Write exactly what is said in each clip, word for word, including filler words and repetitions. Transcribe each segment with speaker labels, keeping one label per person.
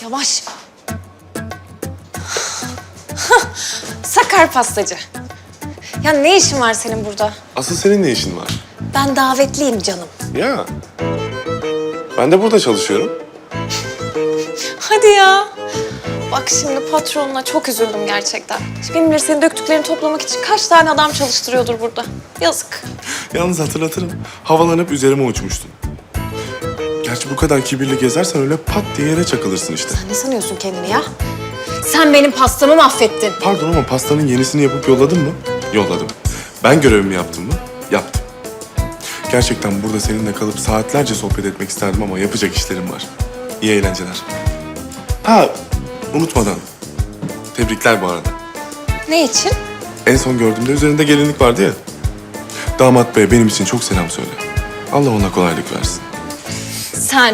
Speaker 1: Yavaş. Sakar pastacı. Ya ne işin var senin burada?
Speaker 2: Asıl senin ne işin var?
Speaker 1: Ben davetliyim canım.
Speaker 2: Ya. Ben de burada çalışıyorum.
Speaker 1: Hadi ya. Bak şimdi patronuna çok üzüldüm gerçekten. Kim bilir senin döktüklerini toplamak için kaç tane adam çalıştırıyordur burada. Yazık.
Speaker 2: Yalnız hatırlatırım. Havalanıp üzerime uçmuştun. Gerçi bu kadar kibirli gezersen öyle pat diye yere çakılırsın işte.
Speaker 1: Sen ne sanıyorsun kendini ya? Sen benim pastamı mahvettin.
Speaker 2: Pardon ama pastanın yenisini yapıp yolladın mı? Yolladım. Ben görevimi yaptım mı? Yaptım. Gerçekten burada seninle kalıp saatlerce sohbet etmek isterdim ama yapacak işlerim var. İyi eğlenceler. Ha, unutmadan. Tebrikler bu arada.
Speaker 1: Ne için?
Speaker 2: En son gördüğümde üzerinde gelinlik vardı ya. Damat bey benim için çok selam söyle. Allah ona kolaylık versin.
Speaker 1: Sen...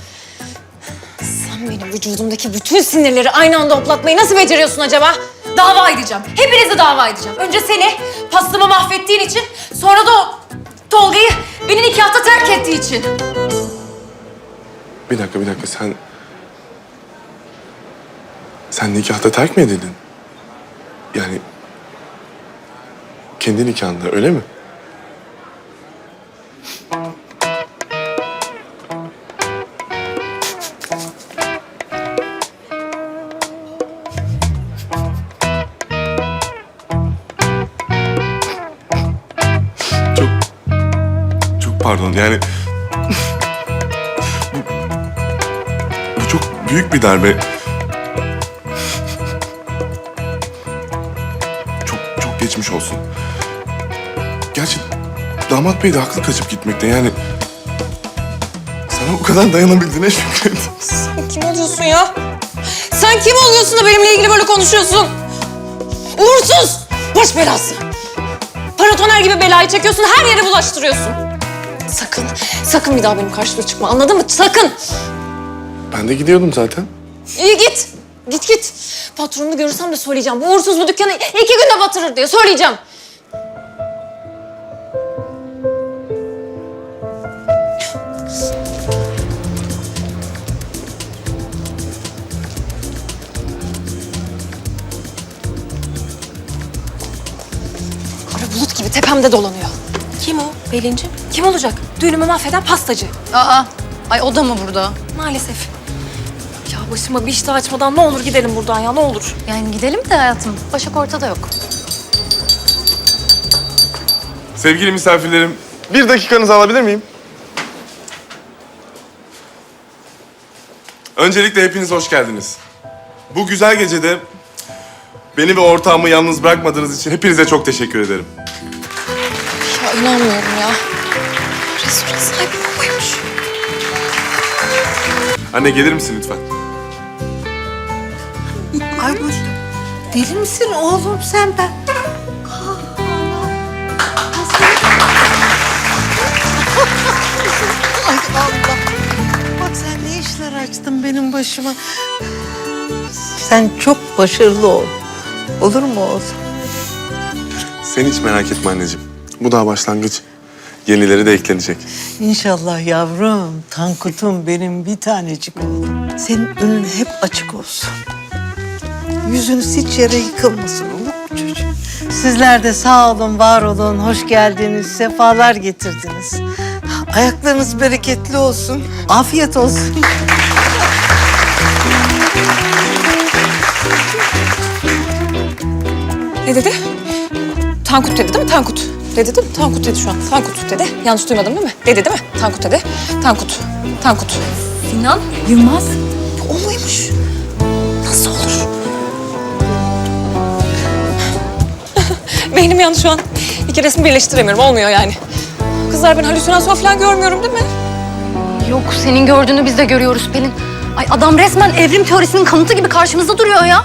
Speaker 1: Sen benim vücudumdaki bütün sinirleri aynı anda hoplatmayı nasıl beceriyorsun acaba? Dava edeceğim. Hepinizi dava edeceğim. Önce seni pastamı mahvettiğin için, sonra da o Tolga'yı beni nikahta terk ettiği için.
Speaker 2: Bir dakika, bir dakika. Sen... Sen nikahta terk mi edildin? Yani... Kendi nikahında, öyle mi? Çok... Çok pardon, yani... bu, bu çok büyük bir darbe. Çok, çok geçmiş olsun. Gerçi damat bey de haklı kaçıp gitmekte, yani... Sana o kadar dayanabildiğine şükret.
Speaker 1: Sen kim oluyorsun ya? Sen kim oluyorsun da benimle ilgili böyle konuşuyorsun? Uğursuz! Baş belası! Paratoner gibi belayı çekiyorsun, her yere bulaştırıyorsun. Sakın, sakın bir daha benim karşıma çıkma, anladın mı? Sakın!
Speaker 2: Ben de gidiyordum zaten.
Speaker 1: İyi git, git git. Patronunu görürsem de söyleyeceğim. Bu uğursuz bu dükkanı iki günde batırır diye söyleyeceğim. Kara bulut gibi tepemde dolanıyor.
Speaker 3: Kim o Pelin'cim?
Speaker 1: Kim olacak? Düğünümü mahveden pastacı.
Speaker 3: Aa, ay o da mı burada?
Speaker 1: Maalesef. Ya başıma bir iş daha açmadan ne olur gidelim buradan ya, ne olur.
Speaker 3: Yani gidelim de hayatım. Başak ortada yok.
Speaker 2: Sevgili misafirlerim, bir dakikanızı alabilir miyim? Öncelikle hepiniz hoş geldiniz. Bu güzel gecede beni ve ortağımı yalnız bırakmadığınız için hepinize çok teşekkür ederim.
Speaker 1: Ya inanmıyorum ya. Restoran sahibi babaymış.
Speaker 2: Anne gelir misin lütfen?
Speaker 4: Ay bu deli misin oğlum sen ben? Ay Allah. Bak sen ne işler açtın benim başıma. Sen çok başarılı ol. Olur mu oğlum?
Speaker 2: Sen hiç merak etme anneciğim. Bu daha başlangıç. Yenileri de eklenecek.
Speaker 4: İnşallah yavrum. Tankut'um benim bir tanecik oğlum. Senin önün hep açık olsun. Yüzünüz hiç yere yıkılmasın, olur mu çocuğum? Sizler de sağ olun, var olun, hoş geldiniz, sefalar getirdiniz. Ayaklarınız bereketli olsun, afiyet olsun.
Speaker 1: Ne dedi? Tankut dedi değil mi? Tankut. Dedi değil mi? Tankut dedi şu an. Tankut dedi. Yanlış duymadım değil mi? Dedi değil mi? Tankut dedi. Tankut. Tankut.
Speaker 3: Sinan Yılmaz.
Speaker 1: O muymuş? Nasıl olur? Beynim yandı şu an. İki resmi birleştiremiyorum. Olmuyor yani. Kızlar, ben halüsinasyon falan görmüyorum değil mi?
Speaker 3: Yok, senin gördüğünü biz de görüyoruz Pelin. Ay adam resmen evrim teorisinin kanıtı gibi karşımızda duruyor ya.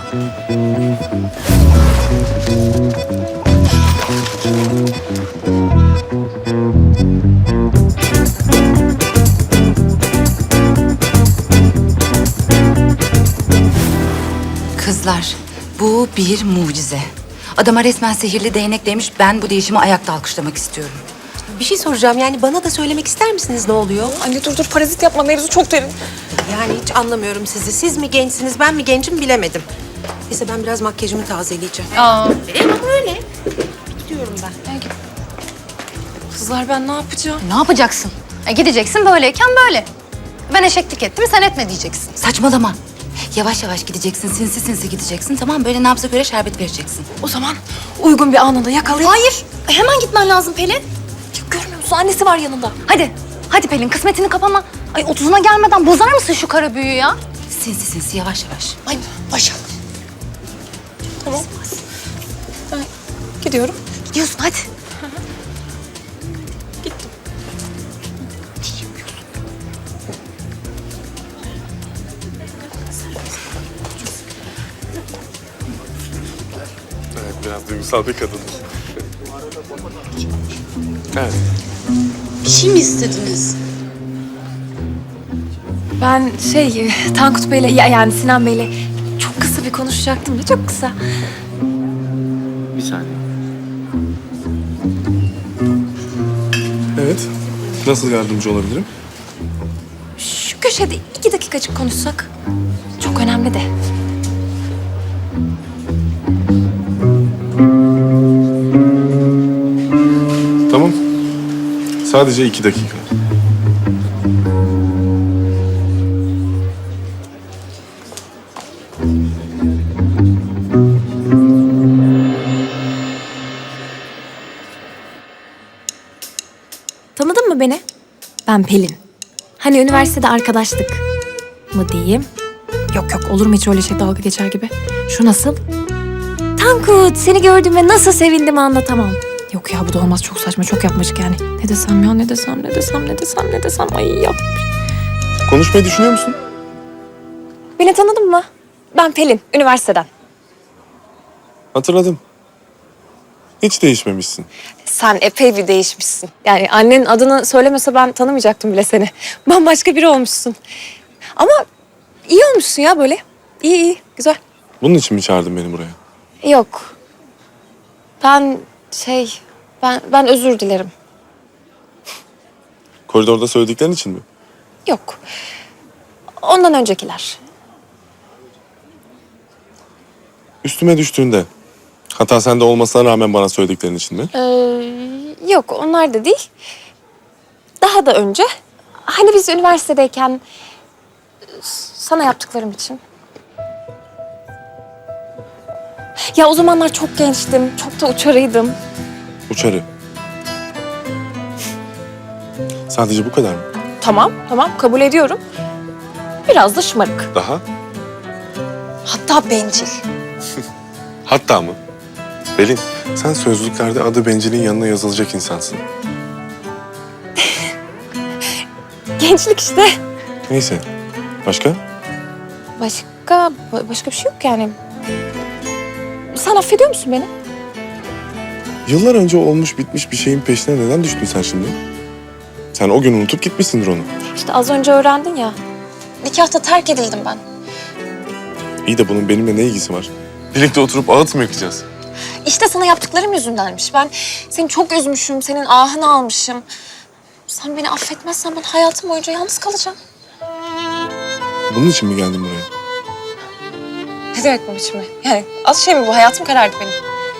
Speaker 5: Kızlar, bu bir mucize. Adama resmen sihirli değnek demiş, ben bu değişimi ayakta alkışlamak istiyorum.
Speaker 6: Bir şey soracağım, yani bana da söylemek ister misiniz ne oluyor?
Speaker 1: Anne dur dur, parazit yapma, mevzu çok derin.
Speaker 6: Yani hiç anlamıyorum sizi. Siz mi gençsiniz, ben mi gencim bilemedim. Neyse ben biraz makyajımı tazeleyeceğim.
Speaker 1: Aa,
Speaker 6: E ama öyle. Gidiyorum ben.
Speaker 1: kızlar ben ne yapacağım?
Speaker 3: Ne yapacaksın? E, gideceksin böyleyken böyle. Ben eşeklik ettim, sen etme diyeceksin.
Speaker 5: Saçmalama. Yavaş yavaş gideceksin, sinsi sinsi gideceksin. Tamam, böyle nabza göre şerbet vereceksin.
Speaker 1: O zaman uygun bir anında yakalayıp...
Speaker 3: Hayır, hemen gitmen lazım Pelin.
Speaker 1: Ya, görmüyor musun? Annesi var yanında.
Speaker 3: Hadi, hadi Pelin kısmetini kapama. Ay otuzuna gelmeden bozar mısın şu kara büyüyü ya?
Speaker 5: Sinsi sinsi, yavaş yavaş.
Speaker 1: Ay başa. Tamam. Ben gidiyorum.
Speaker 3: Gidiyorsun hadi.
Speaker 2: Evet, biraz duygusal bir kadın. Evet.
Speaker 1: Bir şey mi istediniz? Ben şey, Tankut Bey'le, ya- yani Sinan Bey'le çok kısa bir konuşacaktım da çok kısa.
Speaker 2: Bir saniye. Evet. Nasıl yardımcı olabilirim?
Speaker 1: Şu köşede iki dakikacık konuşsak. Çok önemli de.
Speaker 2: Tamam. Sadece iki dakika.
Speaker 7: Tanıdın mı beni? Ben Pelin. Hani üniversitede arkadaşlık mı diyeyim? Yok yok, olur mu hiç öyle şey, dalga geçer gibi. Şu nasıl? Tankut, seni gördüğüme nasıl sevindim anlatamam. Yok ya, bu da olmaz, çok saçma, çok yapmacık yani. Ne desem ya, ne desem, ne desem, ne desem, ne desem. Ay yap.
Speaker 2: Konuşmayı düşünüyor musun?
Speaker 7: Beni tanıdın mı? Ben Pelin, üniversiteden.
Speaker 2: Hatırladım. Hiç değişmemişsin.
Speaker 7: Sen epey bir değişmişsin. Yani annenin adını söylemese ben tanımayacaktım bile seni. Bambaşka biri olmuşsun. Ama iyi olmuşsun ya böyle. İyi iyi, güzel.
Speaker 2: Bunun için mi çağırdın beni buraya?
Speaker 7: Yok. Ben şey, ben ben özür dilerim.
Speaker 2: Koridorda söylediklerin için mi?
Speaker 7: Yok. Ondan öncekiler.
Speaker 2: Üstüme düştüğünde, hatta sende olmasına rağmen bana söylediklerin için mi?
Speaker 7: Ee, yok, onlar da değil. Daha da önce. Hani biz üniversitedeyken sana yaptıklarım için. Ya o zamanlar çok gençtim, çok da uçarıydım.
Speaker 2: Uçarı. Sadece bu kadar mı?
Speaker 7: Tamam, tamam kabul ediyorum. Biraz da şımarık.
Speaker 2: Daha?
Speaker 1: Hatta bencil.
Speaker 2: Hatta mı? Pelin, sen sözlüklerde adı bencilin yanına yazılacak insansın.
Speaker 7: Gençlik işte.
Speaker 2: Neyse. Başka?
Speaker 7: Başka, ba- başka bir şey yok yani. Sen affediyor musun beni?
Speaker 2: Yıllar önce olmuş bitmiş bir şeyin peşine neden düştün sen şimdi? Sen o gün unutup gitmişsindir onu.
Speaker 7: İşte az önce öğrendin ya.
Speaker 1: Nikahta terk edildim ben.
Speaker 2: İyi de bunun benimle ne ilgisi var? Birlikte oturup ağıt mı yakacağız?
Speaker 1: İşte sana yaptıklarım yüzündenmiş. Ben seni çok üzmüşüm, senin ahını almışım. Sen beni affetmezsen ben hayatım boyunca yalnız kalacağım.
Speaker 2: Bunun için mi geldin buraya?
Speaker 1: Ne demek bu biçimi? Yani az şey mi bu? Hayatım karardı benim.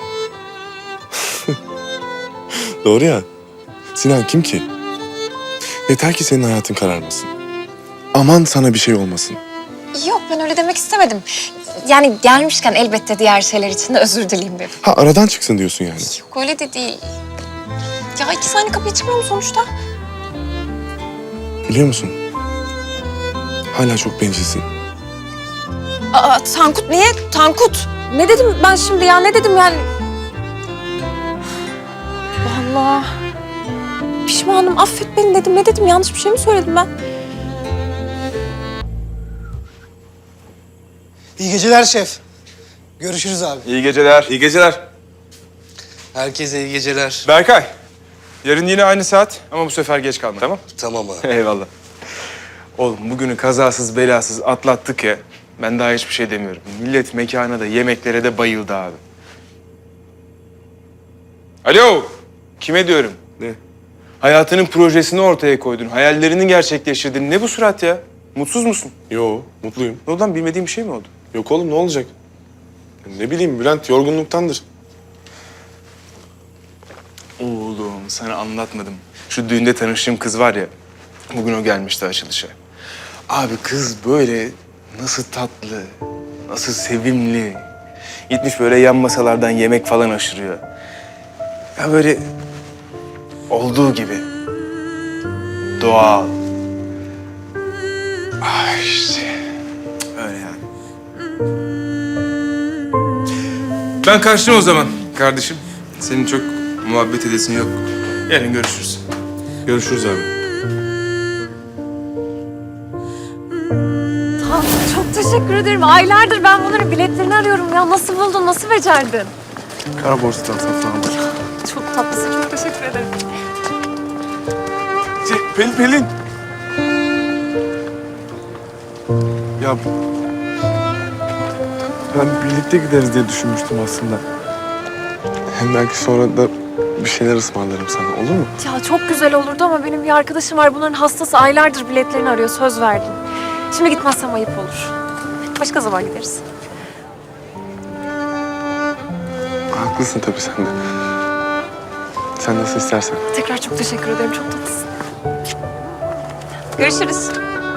Speaker 2: Doğru ya. Sinan kim ki? Yeter ki senin hayatın kararmasın. Aman sana bir şey olmasın.
Speaker 1: Yok ben öyle demek istemedim. Yani gelmişken elbette diğer şeyler için de özür dileyim dedim.
Speaker 2: Ha aradan çıksın diyorsun yani.
Speaker 1: Yok öyle de değil. Ya iki saniye kapıya çıkmıyor mu sonuçta?
Speaker 2: Biliyor musun? Hala çok bencilsin.
Speaker 1: Aa Tankut niye? Tankut.
Speaker 7: Ne dedim ben şimdi ya, ne dedim yani? Vallahi pişmanım, affet beni dedim. Ne dedim, yanlış bir şey mi söyledim ben?
Speaker 8: İyi geceler şef. Görüşürüz abi.
Speaker 9: İyi geceler.
Speaker 2: İyi geceler.
Speaker 8: Herkese iyi geceler.
Speaker 9: Berkay, yarın yine aynı saat ama bu sefer geç kalma, tamam?
Speaker 8: Tamam abi.
Speaker 9: Eyvallah. Oğlum bugünü kazasız belasız atlattık ya. Ben daha hiçbir şey demiyorum. Millet mekana da yemeklere de bayıldı abi. Alo, kime diyorum?
Speaker 2: Ne?
Speaker 9: Hayatının projesini ortaya koydun, hayallerini gerçekleştirdin. Ne bu surat ya? Mutsuz musun?
Speaker 2: Yo, mutluyum.
Speaker 9: Ne oldu lan? Bilmediğim bir şey mi oldu?
Speaker 2: Yok oğlum, ne olacak? Ne bileyim Bülent, yorgunluktandır.
Speaker 9: Oğlum sana anlatmadım. Şu düğünde tanıştığım kız var ya, bugün o gelmişti açılışa. Abi kız böyle nasıl tatlı, nasıl sevimli. Gitmiş böyle yan masalardan yemek falan aşırıyor. Ya böyle olduğu gibi. Doğal. Ah işte. Öyle yani. Ben kaçtım o zaman kardeşim. Senin çok muhabbet edesin yok. Yarın görüşürüz.
Speaker 2: Görüşürüz abi.
Speaker 7: Tankut çok teşekkür ederim. Aylardır ben bunların biletlerini arıyorum ya. Nasıl buldun, nasıl becerdin?
Speaker 2: Kara borsadan satın aldım.
Speaker 7: Çok tatlısın, çok teşekkür ederim.
Speaker 2: Şey, Pelin, Pelin. Ya ben birlikte gideriz diye düşünmüştüm aslında. Hem belki sonra da bir şeyler ısmarlarım sana, olur mu?
Speaker 7: Ya çok güzel olurdu ama benim bir arkadaşım var. Bunların hastası, aylardır biletlerini arıyor. Söz verdim. Şimdi gitmezsem ayıp olur. Başka zaman gideriz.
Speaker 2: Haklısın tabii sen de. Sen nasıl istersen.
Speaker 7: Tekrar çok teşekkür ederim. Çok tatlısın. Görüşürüz.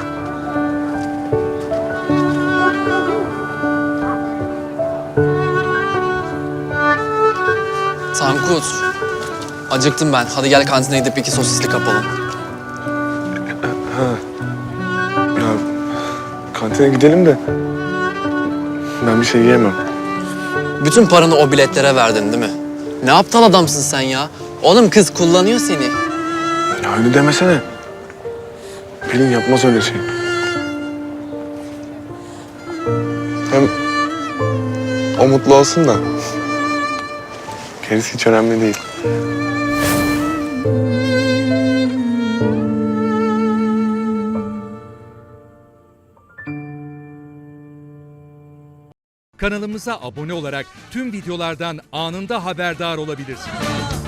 Speaker 10: Tankut. Acıktım ben. Hadi gel kantine gidip iki sosisli kapalım.
Speaker 2: Ya kantine gidelim de ben bir şey yiyemem.
Speaker 10: Bütün paranı o biletlere verdin değil mi? Ne aptal adamsın sen ya. Oğlum kız kullanıyor seni.
Speaker 2: Ya öyle demesene. Pelin yapmaz öyle şey. Hem o mutlu olsun da gerisi hiç önemli değil.
Speaker 11: Kanalımıza abone olarak tüm videolardan anında haberdar olabilirsiniz.